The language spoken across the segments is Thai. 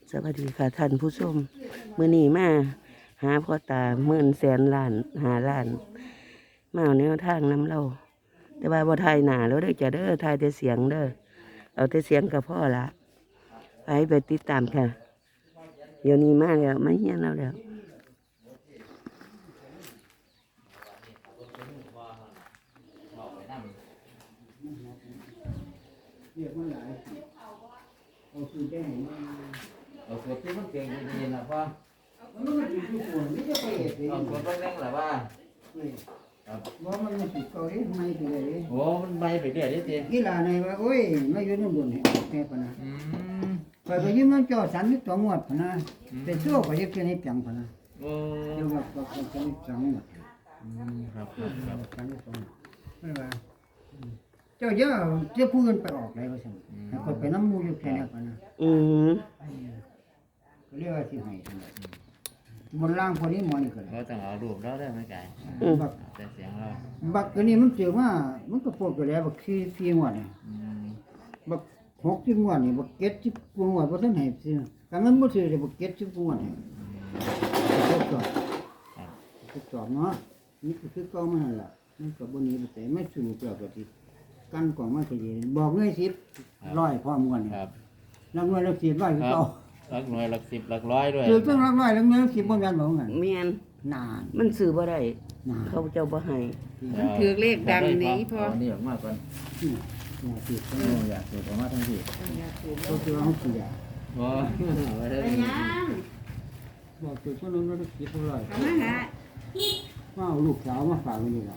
สวัสดีค่ะท่านผู้ชมมื้อนี้มาหาพ่อตา10,000,000,000,0005,000,000มาเอาแนวทางนำเราแต่ว่าบ่ทายหน้าแล้วเด้อจ้ะเด้อทายแต่เสียงเด้อเอาแต่เสียงกับพ่อละไปติดตามค่ะเดี๋ยวนี้มาแล้วมาเฮียนเราแล้วเอาสูตรที่มันเก่งดีๆนะพ่อมันอยู่ทุกคนไม่ใช่ไปเองเอาสูตรเร่งๆหรือว่าว่ามันไม่สูตรเก่าเลยไม่ไปเลยโอ้มันใบไปเรื่อยดิกีฬาในว่าโอ้ยไม่ยืนบนเนี่ยแค่ปนะไปยืนมันจ่อสันนิษฐานหมดปนะแต่ชั่วไปยึดแค่นี้จังปนะโอ้เดี๋ยวว่าก็สันนิษฐานหมดครับสันนิษฐานไม่ว่าเจ้าเยอะเจ้าพูดกันไปออกเลยว่าสั่งแต่คนไปน้ำมูอยู่แค่นี้ปนะก็เรียกว่าสิให้บนล่างพอนี้มอนี่ก็ได้เราต้องเอารูปเราได้ไหมไก่แต่เสียงเราบักอันนี้มันเจอว่ามันก็ปวดไปแล้วบักสี่งวดเนี่ยบัก60 งวดนี่บัก70 งวดบ่ทันให้ซื้อกันมันบ่ซื้อได้บัก70 งวดนี่ทดสอบเนาะนี่ก็คือเก่ามานั่นล่ะมันก็บ่หนีไปแต่ไม่สู้เปล่าก็สิกันกล่องมาก็ดีบอกเงย10 100พร้อมกันนี่ครับนักหน่วยละ10 100คือเก่าหลักหน่วยหลัก10หลักร้อยด้วยคือต้องหลักร้อยหลักหน่วยละ10บ่แม่นบ่งั้นแม่นนานมันซื้อบ่ได้เขาเจ้าบ่ให้มันถือเลขดังนี้พอนี่ออกมาก่อนอยากสูดออกมาทั้งที่ก็คือเอาเสียไปยังบอกคือคนนั้นก็คิดเท่าไหร่ทำไมฮะว่าลูกสาวมาฝากไว้นี่ล่ะ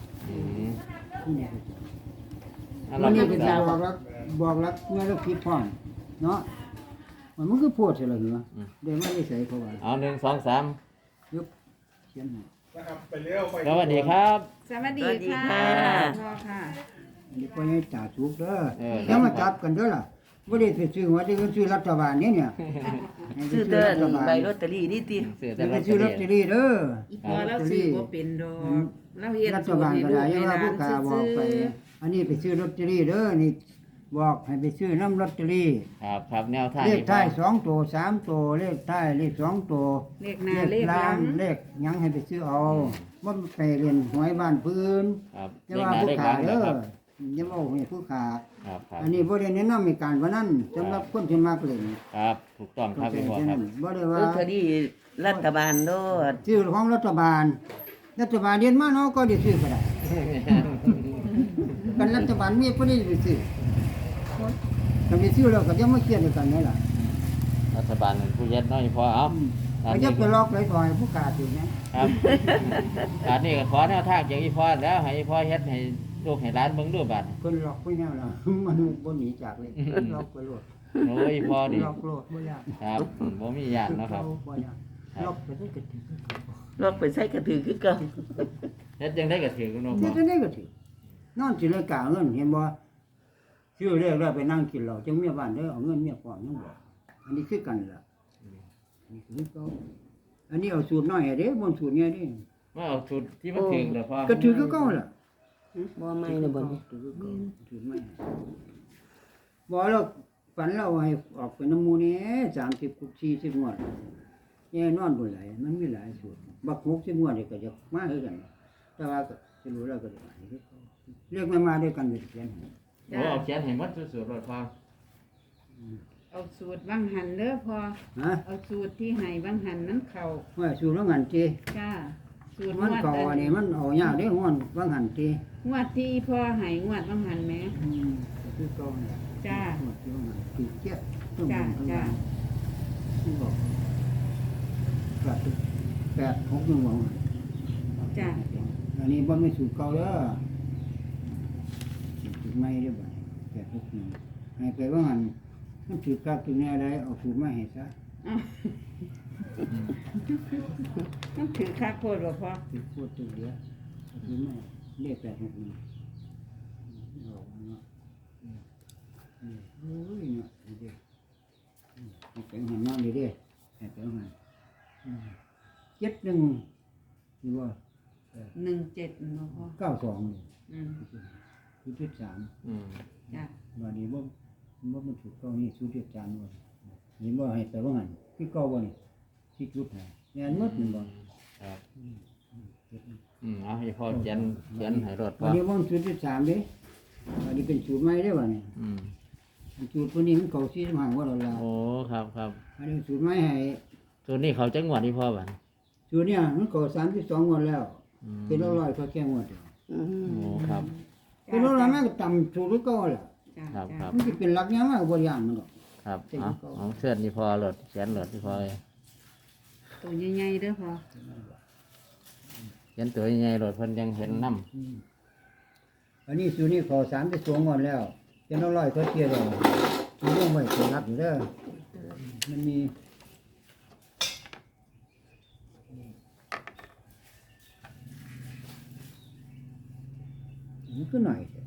วันนี้เป็นบอกรักเมื่อเราคิดพร้อมเนาะมันคือพูดใช่หรือเปล่าเดี๋ยวไม่ได้ใส่เขาไว้เอา1 2 3 ยกเขียนให้สวัสดีครับสวัสดีค่ะพ่อค่ะนี่ก็ให้จ่าสุกเด้อแล้วมาจับกันเด้อล่ะบ่ได้ซื้อว่าได้ซื้อรัฐบาลเนี่ยซื้อเด้อใบลอตเตอรี่นี่ติไปซื้อลอตเตอรี่เด้ออีพอเราซื้อบ่เป็นดอกเราเฮ็ดรัฐบาลก็ได้ยังว่าผู้ค้าบอกไปอันนี้ไปซื้อลอตเตอรี่เด้อนี่บอกให้ไปซื้อน้ำลอตเตอรี่ครับแนวทางเลขท้าย2 ตัว 3 ตัวเลขท้ายเลข2 ตัวเลขหน้าเลขหลังเลขยังให้ไปซื้อเอาบ่ไปเรียนหวยบ้านพื้นจะว่าผู้ค้าเด้ออย่าว่าให้ผู้ค้าอันนี้บ่ได้แนะนำให้การว่านั้นสำหรับคนที่มักเล่นครับถูกต้องครับพี่พ่อครับบ่ได้ว่าลอตเตอรี่รัฐบาลโดดซื้อของรัฐบาลเรียนมาเนาะก็ได้ซื้อก็ได้กันรัฐบาลมีบ่ได้ไปซื้อถ้าไปซื้อแล้วก็จะมาเครียดกันนี่ล่ะรัฐบาลผู้เฮ็ดน้อยพอเอาก็จะไปลอกเลยถอยผู้กาสินะครับการนี้ก็ขอแนวทางจากอีพ่อแล้วให้อีพ่อเฮ็ดให้ลูกให้หลานเบิ่งดูบัดเพิ่นลอกไปแนวล่ะมันบ่หนีจากเลยลอกไปโลดโอ้ยพ่อนี่ลอกโลดบ่ยากครับบ่มีญาติเนาะครับบ่ยากลอกไปได้ก็ถึงลอกไปใส่กระถือคือเก่าเฮ็ดจังได๋ก็ถือเนาะเฮ็ดจังได๋ก็ถือนอนสิเลยกาเงินเห็นบ่ซื้อเรียกแล้วไปนั่งกินเหล้าจังเมียบ้านเด้อเอาเงินเมียก่อนยังบ่อันนี้คือกันล่ะนี่คือเก่าอันนี้เอาสูตรน้อยให้เด้บ่สูตรใหญ่เด้ว่าเอาสูตรที่มันถึงแล้วพ่อก็ถือคือเก่าล่ะบ่ไม่เลยบ่ถือไม่บ่แล้วฝันเราให้ออกไปน้ำมูนี่30 40 งวดแย่นอนบ่หลายมันมีหลายสูตรบัก60 งวดนี่ก็จะมาคือกันแต่ว่าก็สิรู้แล้วก็เรียกมาด้วยกันเป็นเขียนโอ้เอาเขียนให้หมดสูตรรถพ่อเอาสูตรบังหันเด้อพ่อเอาสูตรที่ให้บังหันนั้นเข้าว่าสูตรบังหันติจ้าสูตรมันเข้าอันนี้มันเอายากเด้งวดบังหันติงวดที่พ่อให้งวดบังหันแม่คือเก่าเนี่ยจ้างวดที่บังหันติเจี๊ยบจ้าที่บอก8 6นึงว่าจ้าอันนี้บ่มีสูตรเก่าเด้อสูตรใหม่เด้อบ่8 6นึงให้ไปบังหันมันถือกักตัวนี้ได้เอาสูตรมาให้ซะต้องถือคักโพดบ่พ่อถือโพดตัวเดียวถือไม่เลข8 6นึงออกเนาะโอ้ยเนาะนี่เด้ให้ไปหันนอนนี่เด้ให้ไปหัน71นี่ว่า 17บ่พ่อ 92นี่คือ3 จ้าบัดนี้บ่มันถูกต้องนี่สูตร3ว่านี่บ่ให้ไปว่างั้นคือที่เก่าบ่นี่ที่จุดให้แม่นหมดนี่บ่ครับเอาให้พ่อเขียนให้รถพ่อัอนนี้มันสูตรที่3เด้อันนี้เป็นสูตรใหม่เด้บ่นี่อืมสูตรตัวนี้มันเก่า45ว่าแล้วล่ะโอ้ครับครับอันนี้สูตรใหม่ให้ตัวนี้เขาจังหวัดที่พ่อบัดสูตรเนี่ยมันเก่า32งวดแล้วอืมเป็นร้อยๆก็แค่งวดเดียวอืมโอ้ครับเป็นร้อยๆมันก็ต่ำสูตรเก่าแหละจ้าครับจ้าครับมันสิเป็นหลักยังมากบ่อย่างมันดอกครับเอาเสื้อนี่พ่อรถเขียนรถที่พ่อตัวใหญ่ๆเด้อพอเขียนตัวใหญ่ๆรถเพิ่นยังเห็นน้อันนี้สูตรนี้เก่า32งวดแล้วเป็นร้อยๆก็เที่ยแล้วสูตรลงไว้เป็นหลักอยู่เด้อมันมีมันก็หน่อยแท้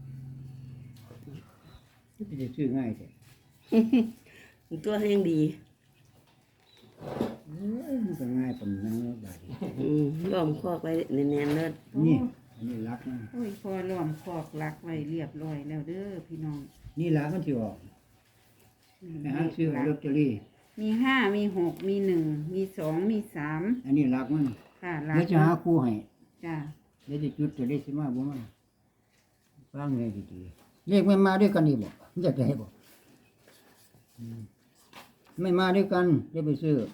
มันจะซื้อง่ายแท้ตัวแห้งดีมันก็ง่ายปานนั้นแล้วบาดนี้ล้อมคอกไว้แน่นๆเลิศนี่อันนี้หลักนะโอ้ยพอล้อมคอกหลักไว้เรียบร้อยแล้วเด้อพี่น้องนี่หลักมันสิออกไปหาซื้อลอตเตอรี่มี5มี6มี1มี2มี3 อันนี้หลักมันค่ะหลักแล้วจะหาคู่ให้จ้าเดี๋ยวจะจุดตัวเลขสิมาบ่มาฟังให้ดีๆเลขไม่มาด้วยกันนี่บ่อยากได้บ่ไม่มาด้วยกันเดี๋ยวไปซื้อ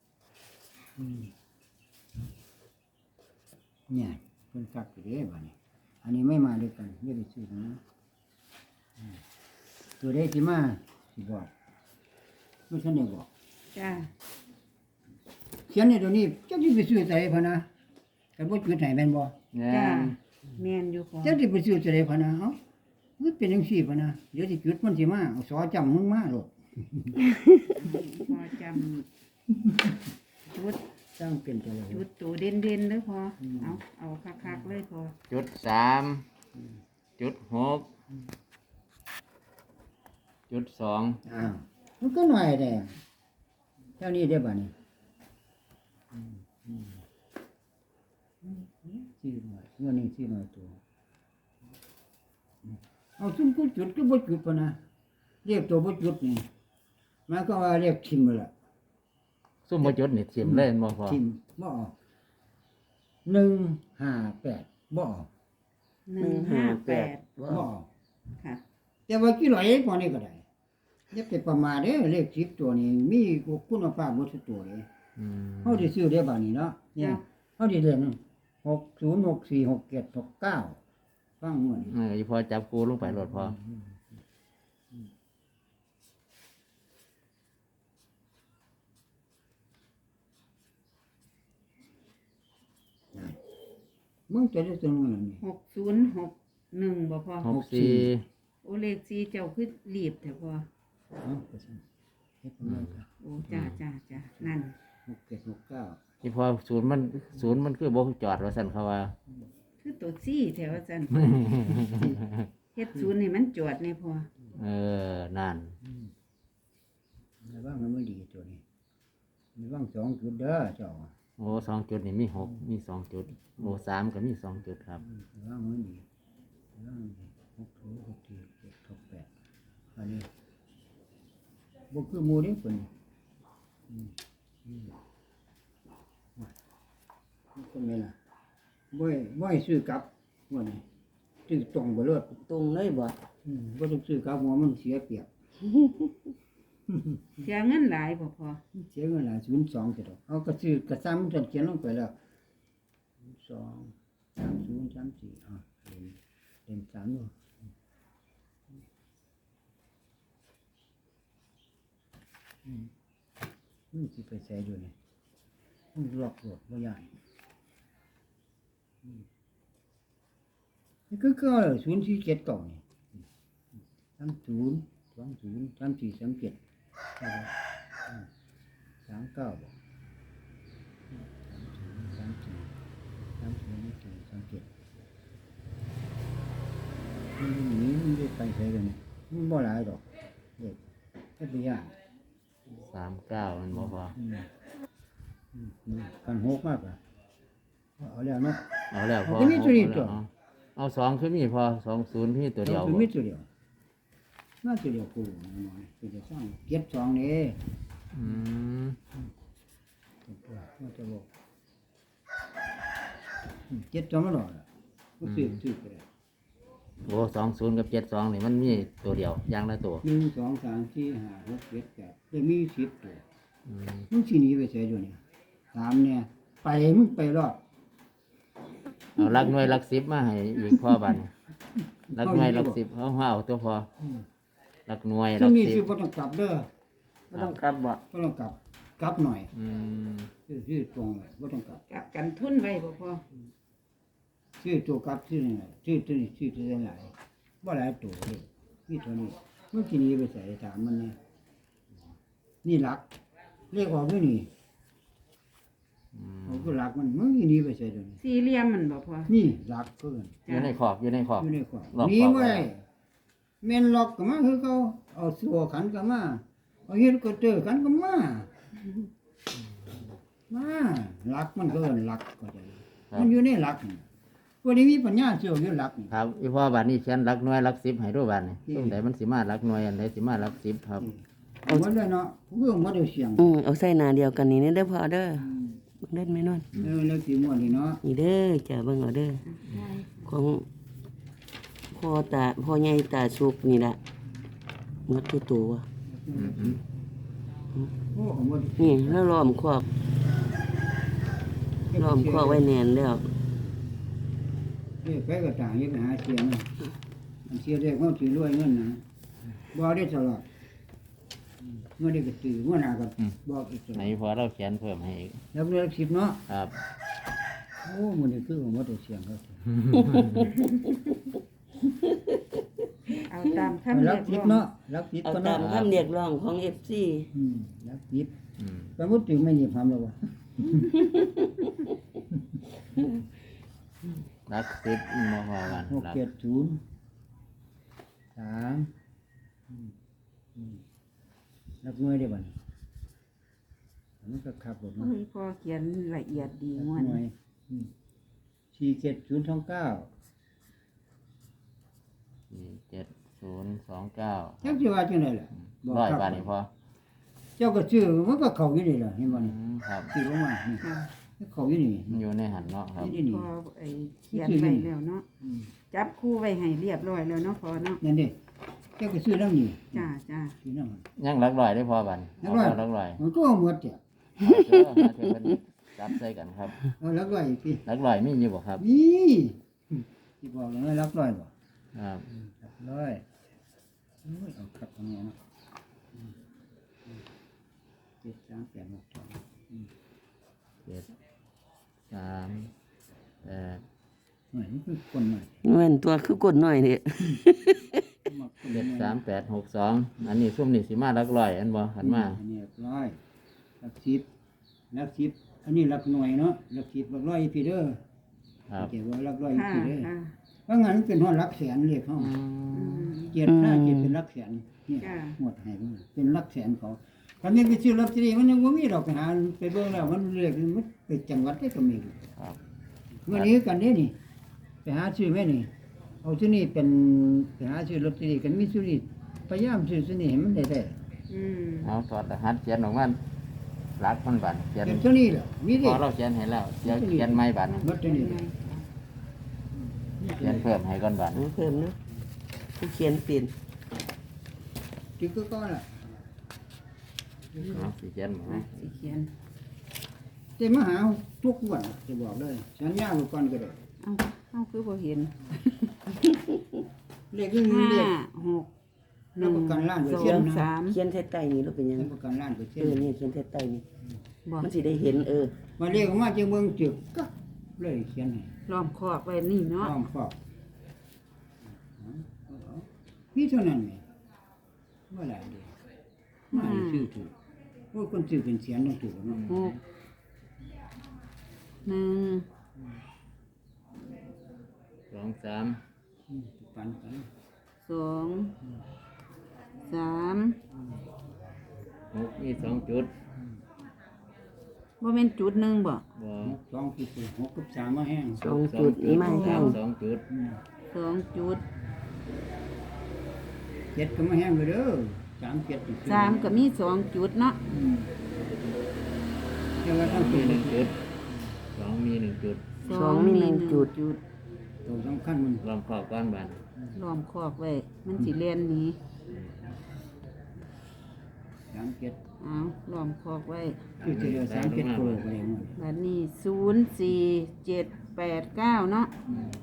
เนี่ยเพิ่นคักอยู่เด้บัดนี้อันนี้ไม่มาด้วยกันเดี๋ยวไปซื้อนะตัวเลขสิมาสิบอกไม่ทันได้บอกจ้าเขียนในตัวนี้จักสิไปซื้อไสพะนะแต่บ่จุดให้แม่นบ่ำเนี่ยจ้าแม่นอยู่พอจักสิไปซื้อไสพะนะเอ้ามันเป็นจังซี่พะนะเดี๋ยวสิจุดมันสิมาเอาสอจำมึงมาโลดพอจำจุดสร้างเป็นตัวเลยจุดตัวเด่นๆเด้อพอเอาคักๆเลยพอจุด3จุด6จุด2 อ้าวมันก็หน่อยแท้เท่านี้ได้บ่นี่ซื้อหน่อยเงินนี่ซื้อหน่อยตัวเอาซุ่มกูจุดก็บ่จุดพะนะเรียกตัวบ่จุดนี่มันก็ว่าเรียกทิมนั่นล่ะซุ่มบ่จุดนี่ทิ่มเลยบ่พ่อทิมบ่ออก158บ่ออก 158 บ่ออกค่ะแต่ว่ากี่ร้อยพอนี่ก็ได้อย่าไปประมาทเด้อเลข10ตัวนี้มีคุณภาพบ่ทุกตัวเลยอืมเฮาได้ซื้อได้บัดนี้เนาะเนี่ยเฮาได้เรียน60 64 67 69ฟังหมดอีพ่อจับกูลงไปรถพ่อมึงจะได้ตัวนึงนี่ 6061บ่พอ 64 โอเลขสีเจ้าคือรีบแต่พอเอ้าก็ซั่นเฮ็ดประมาณกันโอ้จ้านั่น 67 69 อีพ่อศูนย์มันคือบ่จอดว่าซั่นเขาว่าคือตัวซี่แถวจันเฮ็ดศูนย์ให้มันจอดในพอนั่นระวังมันไม่ดีตัวนี้ระวัง2จุดเด้อเจ้าโอ้2จุดนี่มี6มี2จุดโอ้3ก็มี2จุดครับระวังมันดีระวังมันดี60 64 68อันนี้บ่คือหมู่นี่เพิ่นมันก็แม่นล่ะบ่ให้ซื้อกลับว่านี่ซื้อตรงบ่เลิศตรงเลยบ่บ่ต้องซื้อกลับหัวมันเสียเปรียบเสียเงินหลายบ่พอเสียเงินหลาย02จะดอกเอาก็ซื้อกระซ้ำจนเขียนลงไปแล้ว2 30 34เล่น3อยู่มันสิไปใส่อยู่นี่มันล็อกโลดบ่ย่านนี่คือก็0479นี่30 20 34 37 39บ่มันได้ไปใส่กันมันบ่หลายดอกเด็กแค่ตัวอย่าง 39มันบ่พอกันหกมากอ่ะเอาแล้วเนาะเอาแล้วพอมันก็มีตัวนี้ตัวเอา2คือมีพอ20มีตัวเดียวคือมีตัวเดียวน่าตัวเดียวกูน้อยตัวเดียวสร้างเก็บ2นี่อืมว่าจะบอกเจ็ดสองก็หล่อละก็ซื้อไปเลยโอ้20กับ72นี่มันมีตัวเดียวอย่างละตัว 1 2 3 4 5 6 7 8เลยมี10ตัวอืมมึงสิหนีไปใส่ด้วยนี่ถามเนี่ยไปมึงไปรอดเอาหลักหน่วยหลัก10มาให้อีกพ่อบัดนี้หลักหน่วยหลัก10เอาตัวพอหลักหน่วยหถ้าลักมีสิบ่ต้องกลับเด้อบ่ต้องกลับบ่บ่ต้องกลับหน่อยอืมซื้อตรงเลยบ่ต้องกลับกลับกันทุนไว้บ่พอซื้อตัวกลับซื้อนี่ซื้อตัวนี้ซื้อตัวหลายบ่หลายตัวเลยมีเท่านี้มึงสิหนีไปใส่ถามมันเนี่ยนี่หลักเลขออกด้วยนี่อืมเอาก็หลักมันมึงสิหนีไปใส่ตัวนี้สี่เหลี่ยมมันบ่พอนี่หลักเพิ่นอยู่ในขอบอยู่ในขอบอยู่ในขวาล็อกหนีขอบบ่ไว้ได้แม่นล็อกก็มาคือเขาเอาสัวขันก็มาเอาเฮ็ดก็เจอกันก็มาหลักมันก็เอิ้นหลักก็ได้มันอยู่ในหลักนี่บ่ได้มีปัญญาเชื่ออยู่หลักนี่ครับอีพ่อบัดนี้เขียนหลักหน่วยหลัก10ให้ดูบัดนี้ตรงไหนมันสิมาหลักหน่วยอันใดสิมาหลัก10ครับเอาหมดเลยเนาะเพื่อหมดเอาเสียงเอาใส่หน้าเดียวกันนี่เด้อพ่อเด้อเบิ่งเล่นไหมนวลแล้วสิหมดนี่เนาะนี่เด้อจ้ะเบิ่งเอาเด้อของพ่อใหญ่ตาสุกนี่ล่ะหมดตัวอืมโอ้หมดนี่แล้วล้อมคอกไว้แน่นแล้วไปก็ต่างอย่าไปหาเสียงนะอันเสียได้เขาสิรวยเงินนะบ่ได้ตลอดเมื่อได้ก็ตื่นเมื่อหน้าก็บอกอีกตลไหนอดพอเราเขียนเพิ่มให้อีกแล้วเรื่อง10เนาะครับโอ้มันนี่คือหมดเอาเสียงเขาเอาตามคำเรีรัยกก 10 ร้องเนาะรัก10 เอาก็ตาเนาะมคำเรียกร้องของ FC รัก10 อืมสมมุติถึงไม่มีความแล้วว่าหลัก10บ่พอกันหลัก 670 3รักหน่วยได้บ่นี่มันก็ขับรถโอ้เนาะยพอเขียนละเอียดดีรักม่วนหน่วย47029 47029 จักสิว่าจังได๋ล่ะร้อยบาทนี่พอเจ้าก็ซื้อมันก็เข้าอยู่นี่ล่ะเห็นบ่อืนี่มครับซื้อลงมานี่ค่ะเข้าอยู่นี่มันอยู่ในหันเนาะครับนี่นี่พอไอ้เขียนไว้แล้วเนาะจับคู่ไว้ให้เรียบร้อยแล้วเนาะพอเนาะนั่นดิเจ้าก็ซื้อนำนี่จ้าจ้าซื้อนำยังหลักร้อยได้พอบัดหลักร้อยหลักร้อยมันก็เอาหมดจ้ะเอาเถอะหาเถอะเพิ่นจับใส่กันครับเอาลักร้อยสิหลักร้อยมีอยู่บ่ครับนี่สิบอกเลยลักร้อยบ่ครับลักร้อยโอ้ยเอาครับตรงนี้นะ7 3 8 6 7 3 8 2นี่คือคนใหม่เงินตัวคือกดหน่อยนี่ 73862อันนี้ซุ่มนี่สิมาหลักร้อยอันบ่หันมาอันนี้ร้อยลัก10ลัก10อันนี้ลักหน่วยเนาะลัก10ลักร้อยพี่เด้อครับเก็บไว้ลักร้อยค่ะพี่เด้อค่ะเพราะงั้นเป็นฮอดลักแสนเลยเขาอืมเจ็ดหน้าเจ็ดเป็นลักแสนเนี่ยจ้ะหมดให้มันเป็นลักแสนเขาถ้ามีไปซื้อลอตเตอรี่มันยังบ่มีดอกไปหาไปเบิ่งแล้วมันเรียกมันไปจังหวัดได้ก็มีครับเมื่อนี้กันนี้นี่ไปหาซื้อแม่นี่เอาซื้อนี่เป็นไปหาซื้อลอตเตอรี่กันมีซื้อนี่พยายามซื้อซื้อนี่ให้มันได้อืมเอาถอดรหัสเขียนออกมาหลักมันบัดเขียนเป็นซื้อนี่แหละมีพดิอเราเขียนให้แล้วเดี๋ยวเขียนใหม่บัดนี้ลอตเตอรี่เขียนเพิ่มให้ก่อนบัดเอาเพิ่มเนาะผู้เขียนเปลี่ยนที่ก็ก้อนล่ะเอาสิเขียนบ่อ่ะสิเขียนแต่มาหาทุกวันจะบอกเลยสัญญาไว้ก่อนก็ได้เอาคือบ่เห็นเลขนี้ห้าเลขหกหรันึ่บงประกันล้านเปอร์สอเซ็นต์งนะสามเขียนใส่ใต้นี่เราเป็นหยังรับประกันล้านเปอร์เซ็นนี่ต์เขียนใส่ใต้นี่บ่มันสิได้เห็นมาเรียกออกมาจากเมืองจึกก็เลยเขียนให้ล้อมคอกไว้นี่เนาะอ้อมฟอกพี่เท่านั้นไงว่าหลายเดียวมาให้ซื้อถูกโอ้ยคนซื้อเป็นเสียนต้องถูกเนาะหกหนึ่ง 2 3 ปันกันสองสาม 6มี2จุดบ่แม่นจุดหนึ่งบ่บ่สองที่สุด6กับ3มาแห้ง 2จุดนี้มาแห้ง 2จุดสองจุด 7ก็มาแห้งไปเด้อ3 7 สามก็มีสองจุดเนาะ 7 แต่ว่าทั้งมีตัวหนึ่งจุดสองมีหนึ่งจุดสองมีหนึ่งจุดตัวสำคัญมันรวมขอบก้อนบานล้อมคอกไว้มันสิเลียนหนี้ 37 เอาล้อมคอกไว้คือจะเหลือ37ตัวไปเลยมั้งบัดนี้04789เนาะ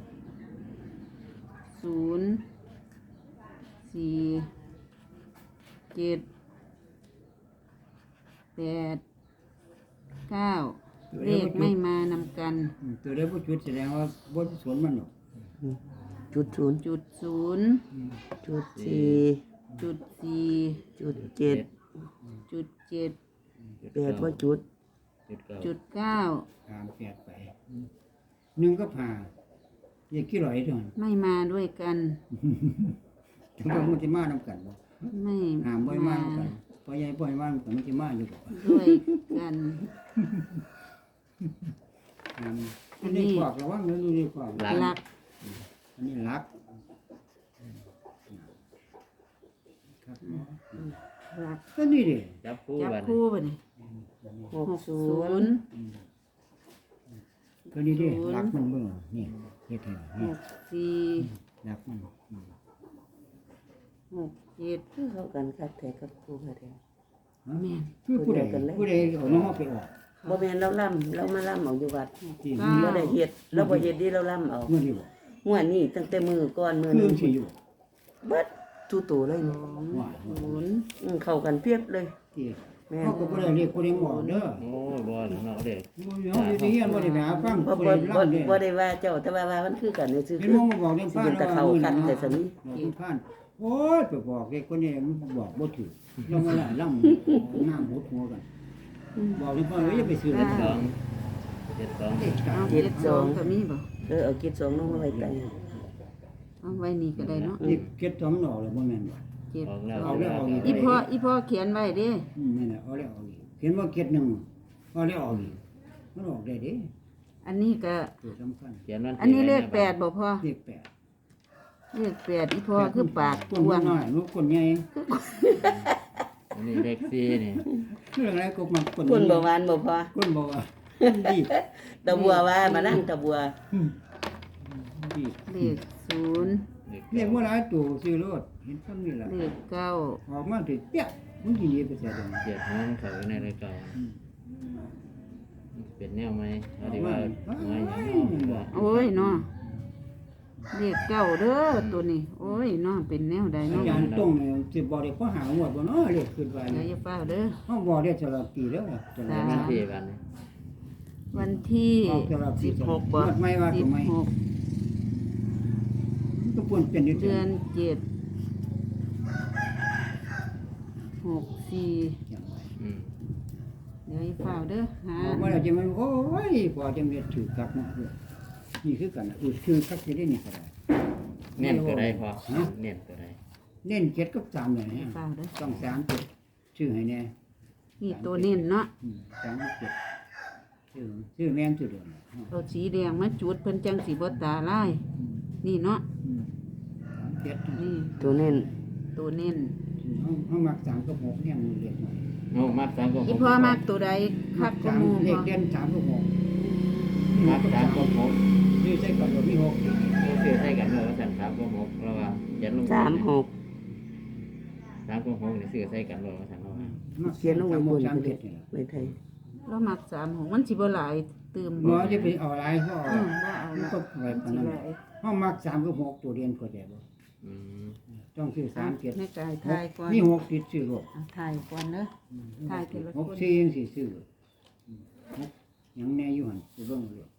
04789เลขไม่มานำกันตัวได้บ่จุดแสดงว่าบ่สวนมันหรอกจุดศูนย์จุดศูนย์จุดสี่จุดสี่จุดเจ็ดจุดเจ็ดแปดว่าจุดจุดเก้าจุดเก้าตามแปดไป1ก็ผ่าอย่าขี้หลอยเด้อไม่มาด้วยกันถึงว่ามันสิมานำกันบ่ไม่ห้ามบ่ให้มามากันพอใหญ่บ่ให้มากันมันสิมาอยู่บ่ด้วยกันห้ามอัอันนนี้นี้ขวากระวังเด้อดูนี่ขวากหลักอันนี้หลักครับหลักก็นี่ดิจับคู่จับบันคู่ไปนี่หกหกศูศูนนย์ย์ก็นี่ดิหลักมันเบิ่งนี่เฮ็ดให้หนี่กสี่หลักมันหกเจ็ดคือเข้ากันคักแท้กับครูค่ะแท้ฮะแม่นคือผู้ใดผู้ใดเอาน้องไปออกบ่แม่นเราล่ำเรามาล่ำเอาอยู่วัดที่เราได้เฮ็ดเราบ่เฮ็ดดีเราล่ำเอาเมื่อนี้บ่งวดนี้ตั้งแต่มือก่อนมือคือนึงสิอยู่เบิดทุตัวเลยนี่ว่าศูนย์เข้ากันเปรียบเลยที่แม่เขาก็บ่ได้เรียกผู้ใดออกเด้อโอ้ยบอลเนาะเด็กเฮาสิเฮียนบ่ได้ไปหาฟังบ่ผู้บ่ใดบ่ล่ำเด้บ่ได้ว่าเจ้าแต่ว่ามันคือกันซื่อๆเห็นคือมองมาบอกเรื่องสิฟ้าเป็นตะเขาคัดแต่สนี้บอกผ่านโอ้ยไปบอกเด็กคนนี้มันบอกบ่ถูกยังมาล่ำน้ำหดหัวกันบอกเรื่องฟ้าอย่าไปซื้อเลยสองเจ็ดสองเอาเจ็ดสองก็มีบ่เอากิจสองลงมาไว้ใต้เอาไว้นี่ก็ได้เนาะนี่เก็บ2ดอกแล้วบ่แม่นบ่เจ็ดออกแล้วเอาแล้วเอาอีกอีพ่อเขียนไว้เด้นั่นน่ะเอาแล้วเอาอีกเห็นว่าเก็บหนึ่งเอาแล้วเอาอีกมันออกได้เด้อันนี้ก็ตัวสำคัญเขียนวันอันนี้เลขแปดบ่พ่อเลขแปดเลขแปดอีพ่อคือปากคนกว้างน้อยลูกคนใหญ่อันนี้เลขสี่นี่เรื่องอะไรก็มันคนคนบ่หวานบ่พอคนบ่ว่าดีตะบัวว่ามานั่งตะบัวดีเลขศูนย์เรียกว่าหลายตัวซื้อรถเห็นซ้ำนี่ล่ะเลขเก้าออกมาถึงเปี้ยมันสิหนีไปเสียดอกเจ็ดห้องเขาอยู่ในรายการเป็นแนวไหมเอาดีว่าไม้อย่างนอกโอ้ยเนาะเลขเก้าเด้อตัวนี้ โอ้ยเนาะเป็นแนวใดอาเนาะจารย์ต้องเนี่ยสิบอกได้พอหางวดบ่เนาะเลขขึ้นไปเดี๋ยวอย่าฟ้าเด้อเฮาบอกได้ตลอดปีแล้วตลอดวันที่วันนี้วันที่ออกตลอดปี 16บ่ไม่ว่าก็ไม่ 16 ก็ควรเป็นอยู่เดือน7 64 อืมเดี๋ยวอย่าฟ้าเด้อหาออกมาแล้วจะมันโอ้ยพอจังเรียนถือกับเนาะนี่คือกันอุดคือคักสิได้นี่ก็ได้เน้นตัวใดพอเน้นตัวใดเน้น7กับ3เลยอย่านะฟ้าเด้อต้อง3 7ชื่อให้แน่นี่ตัวเน้นเนาะ 3 7ชื่อแม่นชื่อเดิมเอาสีแดงมาจุดเพิ่นจังสิบ่ตาลาย นี่เนาะ 3 7 นี่ตัวเน้นตัวเน้นเฮามัก3กับ6เนี่ยมันเรียกหน่อยโอ้มักสามก็หอีกพ่อมากตัวใดคักก็หมู่เลบ่ขเด่น3กับ6 มักสามก็หกชื่อใช้กับมี6 ซื้อให้กันเลยว่าสันสามก็หกเราว่าเขียนลง 36 สามก็หกนี่ซื้อให้กันเลยว่าสันเราว่าเขียนลงไว้บน 3 ก็ได้ 7นี่ไว้ไทยเรามัก36มันสิบ่หลายตื่มบ่จะไปเอาหลายก็เอาบ่เอามันละก็ไปปานนั้นเฮามัก3กับ6ตัวเรียนก็ได้บ่อืมต้องซื้อ3 7 ในกายทายก่อนมี6ติดซื้อรถเอาทายก่อนเด้อทายทีละคน 6 4ยังสิซื้อยังแน่อยู่หั่นสิเบิ่งเลย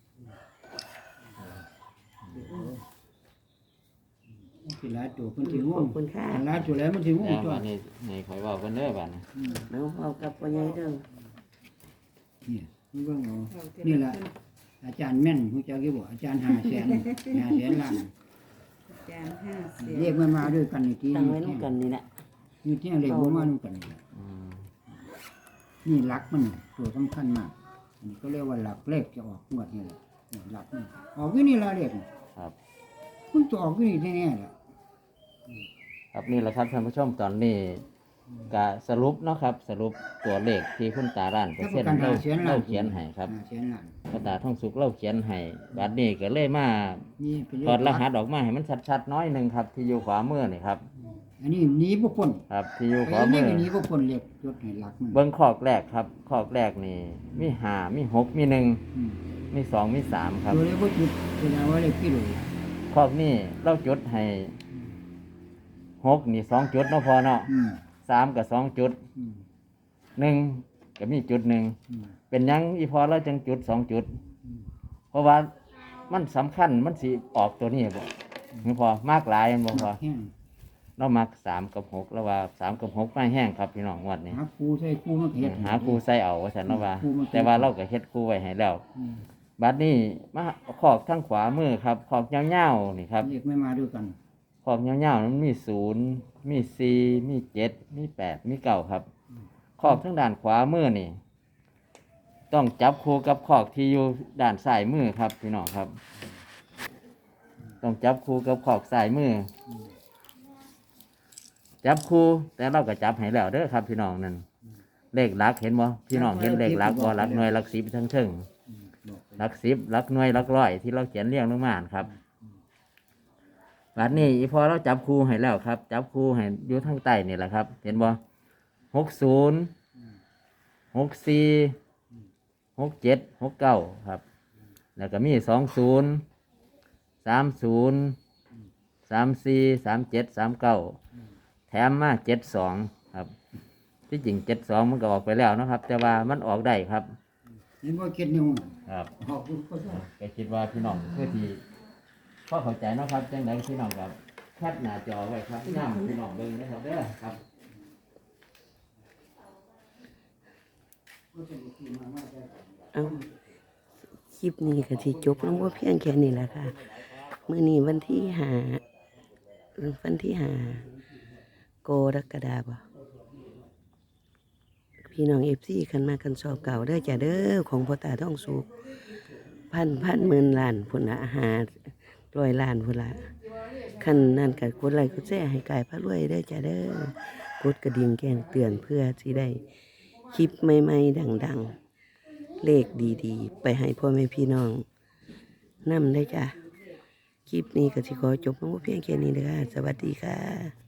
สิหลายตัวเพิ่นสิงขงอบคุณค่ะหลายตัวแล้วมันสิงงแล้วตัววันนี้ในคอยบอกกันเด้อบ้านนี้เอาเอากับพ่อใหญ่เด้อนี่มันเบิ่งเอานี่ล่ะอาจารย์แม่นฮู้จักอยู่บ่อาจารย์500,000ล้านจาน50 เรียกมันมาด้วยกันนี่ทีตั้งไว้นำกันนี่แหละนี่ที่เรียกบ่มาด้วยกันนี่ล่ะอืมนี่หลักมันตัวสำคัญมากอันนี้ก็เรียกว่าหลักเลขจะออกงวดนี่แหละนี่หลักนี่ออกอยู่นี่ละเลขนี่ครับมันจะออกอยู่นี่แน่ๆแหละครับนี่แหละครับท่านผู้ชมตอนนี้กะสรุปเนาะครับ สรุปตัวเลขที่คุณตาล้านเปอร์เซ็นต์เราเขียนให้ครับเขียนล้านคุณตาท่องสุขเราเขียนให้บัดนี้ก็เลยมานี่เป็นถอดรหัสออกมาให้มันชัดๆน้อยหนึงครับ ที่อยู่ขวามือนี่ครับอันนี้หนีบ่พ้นครับ ที่อยู่ขไอ้วานี่มือก็หนีบ่พ้นเรียกยศให้หลักมันเบิ้งขอกแรกครับขอกแรกนี่มี5มี6มี1 อืมมี2มี3ครับตัวเลขบ่จุดแสดงว่าเลขกิโลขอกนี่เราจุดให้6นี่2จุดเนาะพอเนาะอืม 3ก็2จุดอืม 1ก็มีจุด1 อืมเป็นหยังอีพอเราจังจุด2จุดอืมเพราะว่ามันสำคัญมันสิออกตัวนี้บ่นี่พอมากหลายแม่นบ่พอแห้งเรามัก3กับ6แล้วว่า3กับ6ไม่แห้งครับพี่น้องงวดนี้หาครูใส่ครูมาเฮ็ดหาครูใส่เอาว่าซั่นเนาะว่าครูมาแต่ว่าเราก็เฮ็ดครูไว้ให้แล้วอืมบัดนี้มาขอกทางขวามือครับขอกยาวๆนี่ครับเลขไม่มาด้วยกันขอกยาวๆมันมี0มี4มี7มี8มี9ครับขอกทางด้านขวามือนี่ ต้องจับคู่กับขอกที่อยู่ด้านซ้ายมือครับพี่น้องครับ ต้องจับคู่กับขอกซ้ายมืออจับคู่แต่เราก็จับให้แล้วเด้อครับ พี่น้องนั่นเลขหลักเห็นบ่พี่น้องเห็นเลขหลักบ่หลักหน่วยหลักสิบทั้งเทิงอืมบอกไปหลักสิบหลักหน่วยหลักร้อยที่เราเขียนเรียงลงมาครับบัดนี้อีพอเราจับคู่ให้แล้วครับ จับคู่ให้อยู่ทางใต้นี่แหละครับ เห็นบ่60 64 67 69ครับ แล้วก็มี20 30 34 37 39แถมมา72ครับ ที่จริง72มันก็ออกไปแล้วเนาะครับ แต่ว่ามันออกได้ครับเห็นว่าเก็ดนิ้วครับออกลูกก็ได้ก็คิดว่าพี่น้องเพื่อที่พอเข้าใจเนาะครับจังไดพี่น้องกับแคปหน้าจอไว้ครับย่ำพี่น้องเบิ่งนะครับเด้อครับเอาคลิปนี้ก็สิจบลงว่าเพียงแค่นี้แหละค่ะมื้อนี้วันที่5กรกฎาคมพี่น้อง FC คันมากันสอบเก่าเด้อจ้ะเด้อของพ่อตาท่องสุขพันหมื่นล้านพุ่นละ100ล้านพุ่นละคันนั่นก็กดไลค์กดแชร์ให้กายพระรวยเด้อจ้ะเด้อกดกระดิ่งแจ้งเตือนเพื่อสิได้คลิปใหม่ๆดังๆ เลขดีๆ ไปให้พ่อแม่พี่น้องนำได้จ้ะ คลิปนี้ก็สิขอจบลงเพียงแค่นี้เด้อค่ะสวัสดีค่ะ